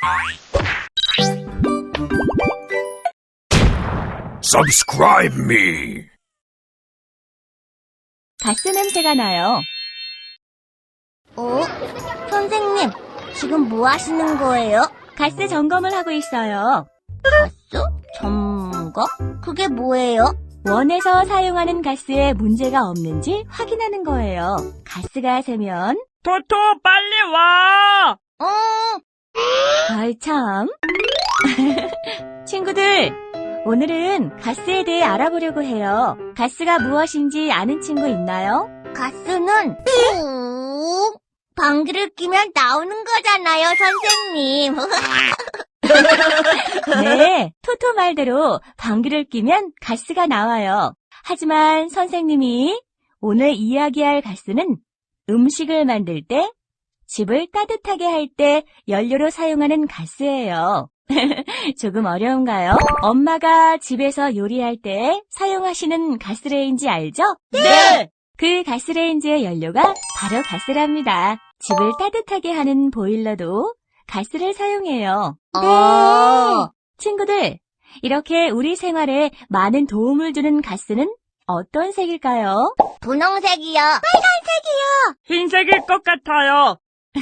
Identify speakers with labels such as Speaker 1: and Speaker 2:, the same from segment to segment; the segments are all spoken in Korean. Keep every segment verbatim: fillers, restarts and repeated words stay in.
Speaker 1: Subscribe me.
Speaker 2: 가스 냄새가 나요.
Speaker 3: 어? 선생님, 지금 뭐 하시는 거예요?
Speaker 2: 가스 점검을 하고 있어요.
Speaker 3: 가스? 점검? 그게 뭐예요?
Speaker 2: 원에서 사용하는 가스에 문제가 없는지 확인하는 거예요. 가스가 새면
Speaker 4: 토토, 빨리 와!
Speaker 3: 어,
Speaker 2: 아이 참. 친구들, 오늘은 가스에 대해 알아보려고 해요. 가스가 무엇인지 아는 친구 있나요?
Speaker 3: 가스는 꾹 방귀를 뀌면 나오는 거잖아요, 선생님.
Speaker 2: 네, 토토 말대로 방귀를 뀌면 가스가 나와요. 하지만 선생님이 오늘 이야기할 가스는 음식을 만들 때, 집을 따뜻하게 할 때 연료로 사용하는 가스예요. 조금 어려운가요? 엄마가 집에서 요리할 때 사용하시는 가스레인지 알죠?
Speaker 4: 네!
Speaker 2: 그 가스레인지의 연료가 바로 가스랍니다. 집을 따뜻하게 하는 보일러도 가스를 사용해요.
Speaker 3: 네.
Speaker 2: 친구들, 이렇게 우리 생활에 많은 도움을 주는 가스는 어떤 색일까요?
Speaker 3: 분홍색이요.
Speaker 4: 흰색일 것 같아요.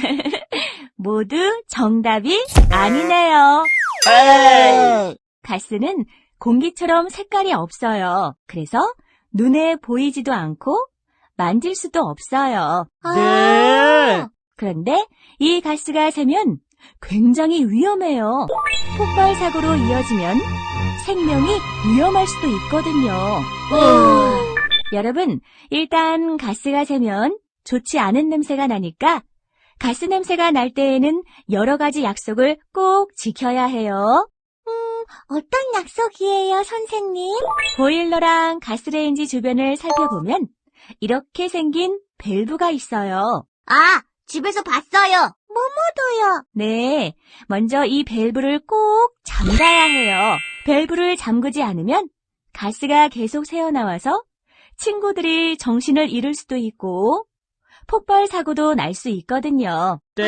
Speaker 2: 모두 정답이 아니네요.
Speaker 4: 에이!
Speaker 2: 가스는 공기처럼 색깔이 없어요. 그래서 눈에 보이지도 않고 만질 수도 없어요.
Speaker 4: 네!
Speaker 2: 그런데 이 가스가 새면 굉장히 위험해요. 폭발 사고로 이어지면 생명이 위험할 수도 있거든요. 여러분, 일단 가스가 새면 좋지 않은 냄새가 나니까 가스 냄새가 날 때에는 여러 가지 약속을 꼭 지켜야 해요.
Speaker 3: 어떤 약속이에요, 선생님?
Speaker 2: 보일러랑 가스레인지 주변을 살펴보면 이렇게 생긴 밸브가 있어요.
Speaker 3: 아, 집에서 봤어요. 뭐뭐도요.
Speaker 2: 네, 먼저 이 밸브를 꼭 잠가야 해요. 밸브를 잠그지 않으면 가스가 계속 새어나와서 친구들이 정신을 잃을 수도 있고 폭발 사고도 날 수 있거든요.
Speaker 4: 네!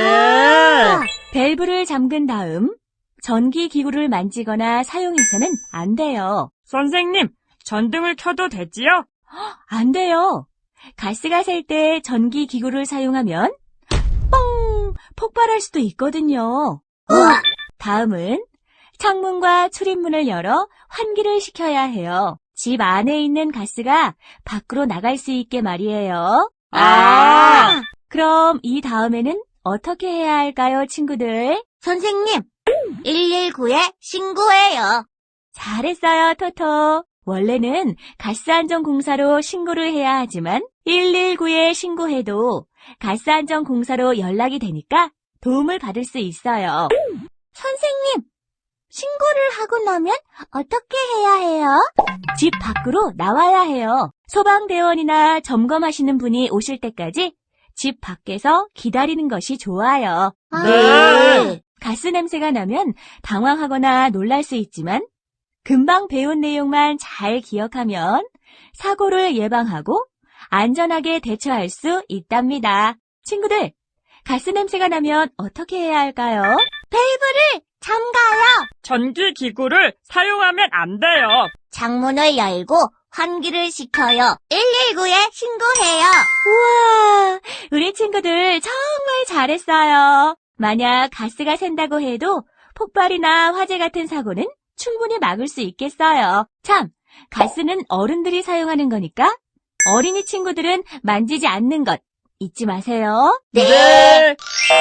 Speaker 2: 밸브를 잠근 다음 전기 기구를 만지거나 사용해서는 안 돼요.
Speaker 4: 선생님, 전등을 켜도 되지요?
Speaker 2: 안 돼요. 가스가 셀 때 전기 기구를 사용하면 뻥! 폭발할 수도 있거든요.
Speaker 3: 우와.
Speaker 2: 다음은 창문과 출입문을 열어 환기를 시켜야 해요. 집 안에 있는 가스가 밖으로 나갈 수 있게 말이에요.
Speaker 4: 아!
Speaker 2: 그럼 이 다음에는 어떻게 해야 할까요, 친구들?
Speaker 3: 선생님, 일일구에 신고해요.
Speaker 2: 잘했어요, 토토. 원래는 가스안전공사로 신고를 해야 하지만 일일구에 신고해도 가스안전공사로 연락이 되니까 도움을 받을 수 있어요.
Speaker 3: 선생님, 신고를 하고 나면 어떻게 해야 해요?
Speaker 2: 집 밖으로 나와야 해요. 소방대원이나 점검하시는 분이 오실 때까지 집 밖에서 기다리는 것이 좋아요.
Speaker 4: 네.
Speaker 2: 가스 냄새가 나면 당황하거나 놀랄 수 있지만 금방 배운 내용만 잘 기억하면 사고를 예방하고 안전하게 대처할 수 있답니다. 친구들, 가스 냄새가 나면 어떻게 해야 할까요?
Speaker 3: 밸브를 잠가요.
Speaker 4: 전기 기구를 사용하면 안 돼요.
Speaker 3: 창문을 열고 환기를 시켜요. 일일구에 신고해요.
Speaker 2: 우와, 우리 친구들 정말 잘했어요. 만약 가스가 샌다고 해도 폭발이나 화재 같은 사고는 충분히 막을 수 있겠어요. 참, 가스는 어른들이 사용하는 거니까 어린이 친구들은 만지지 않는 것 잊지 마세요.
Speaker 4: 네!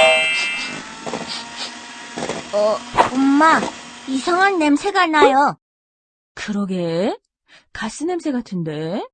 Speaker 3: 어, 엄마, 이상한 냄새가 나요.
Speaker 2: 그러게, 가스 냄새 같은데?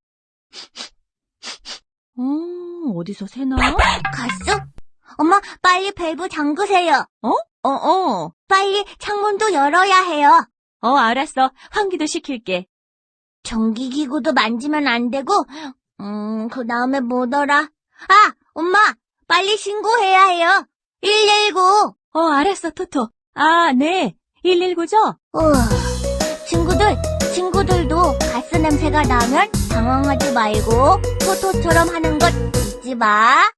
Speaker 2: 음, 어디서 새나?
Speaker 3: 가스? 엄마, 빨리 밸브 잠그세요.
Speaker 2: 어? 어, 어.
Speaker 3: 빨리 창문도 열어야 해요.
Speaker 2: 어, 알았어. 환기도 시킬게.
Speaker 3: 전기기구도 만지면 안 되고, 음, 그 다음에 뭐더라? 아, 엄마, 빨리 신고해야 해요. 일일구.
Speaker 2: 어, 알았어, 토토. 아, 네. 일일구죠?
Speaker 3: 우와, 친구들, 친구들도 가스 냄새가 나면 당황하지 말고 토토처럼 하는 것 잊지 마.